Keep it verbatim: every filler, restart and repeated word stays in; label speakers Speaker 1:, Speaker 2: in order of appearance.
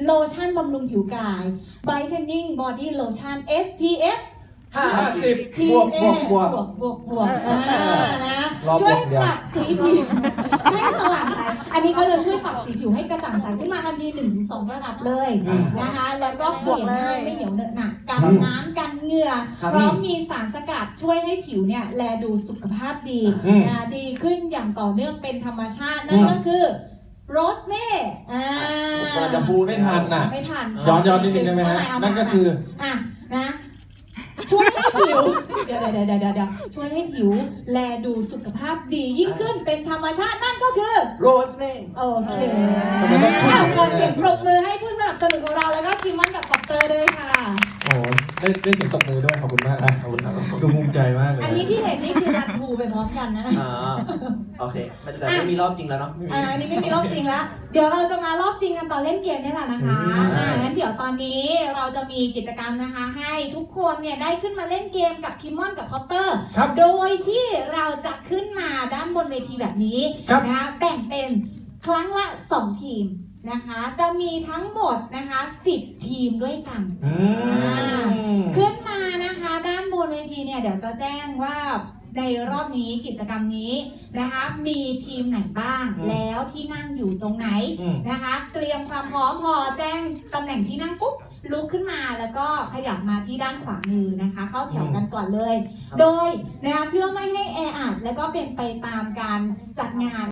Speaker 1: โลชั่นบำรุงผิวกาย Brightening Body Lotion เอส พี เอฟ
Speaker 2: ห้าสิบ
Speaker 1: พี
Speaker 2: บวก
Speaker 1: เอบ
Speaker 2: วกบวก
Speaker 1: บวกบวกอ่านะ
Speaker 2: รอบ
Speaker 1: ช่วย
Speaker 2: เดียว
Speaker 1: ปรับสีผิวให้สว่างใสอันนี้เขาจะช่วยปรับสีผิวให้กระจ่างใสขึ้นมาทันที หนึ่งถึงสอง ระดับเลยนะคะแล้วก็เปลี่ยนง่ายไม่เหนียวเหนอะหนักกันน้ำกันเหงื่อพร้อมมีสารสกัดช่วยให้ผิวเนี่ยแลดูสุขภาพดีนะดีขึ้นอย่างต่อเนื่องเป็นธรรมชาตินั่นก็คือโรสเม่อ่า
Speaker 2: เราจะพูดไม่ทันน่ะ
Speaker 1: ไม่ทัน
Speaker 2: ย้อนย้อนนิดนึงได้ไหมฮะนั่นก็คือ
Speaker 1: อ่ะนะช่วยให้ผิวเดี๋ยวเดี๋ยวเดี๋ยวเดี๋ยวช่วยให้ผิวแลดูสุขภาพดียิ่งขึ้นเป็นธรรมชาตินั่นก็คือ
Speaker 2: โรสเม่
Speaker 1: โอเคเอาขอเสียงปรบมือให้ผู้สนับสนุนของเราแล้วก็คิมมอนกับคอปเตอร์ด้วยค่ะ
Speaker 2: โอ้ได้ได้เสียงตบมือด้วยขอบคุณมากนะขอบคุณครับดูภูมิใจมากเลย
Speaker 1: อันนี้ที่เห็นนี่คือรันทูไปพร้อมกันนะ
Speaker 3: อ่าโอเคแต่ไม่มีรอบจริงแล้วเนาะ
Speaker 1: อ่าอันนี้ไม่มีรอบจริงแล้วเดี๋ยวเราจะมารอบจริงกันตอนเล่นเกมนี่แหละนะคะอ่างั้นเดี๋ยวตอนนี้เราจะมีกิจกรรมนะคะให้ทุกคนเนี่ยได้ขึ้นมาเล่นเกมกับคิมมอนกับคอปเตอร์
Speaker 2: ครับ
Speaker 1: โดยที่เราจะขึ้นมาด้านบนเวทีแบบนี้
Speaker 2: ครับ
Speaker 1: นะคะแบ่งเป็นครั้งละสองทีมนะคะจะมีทั้งหมดนะคะสิบทีมด้วยกัน
Speaker 2: อืม
Speaker 1: ขึ้นมานะคะด้านบนเวทีเนี่ยเดี๋ยวจะแจ้งว่าในรอบนี้กิจกรรมนี้นะคะมีทีมไหนบ้าง
Speaker 2: อืม
Speaker 1: แล้วที่นั่งอยู่ตรงไหน
Speaker 2: อืม
Speaker 1: นะคะเตรียมความพร้อมพอแจ้งตำแหน่งที่นั่งปุ๊บลุกขึ้นมาแล้วก็ขยับมาที่ด้านขวามือนะคะ เข้าแถวกันก่อนเลย โดยนะคะเพื่อไม่ให้แออัดแล้วก็เป็นไปตามการจัดงาน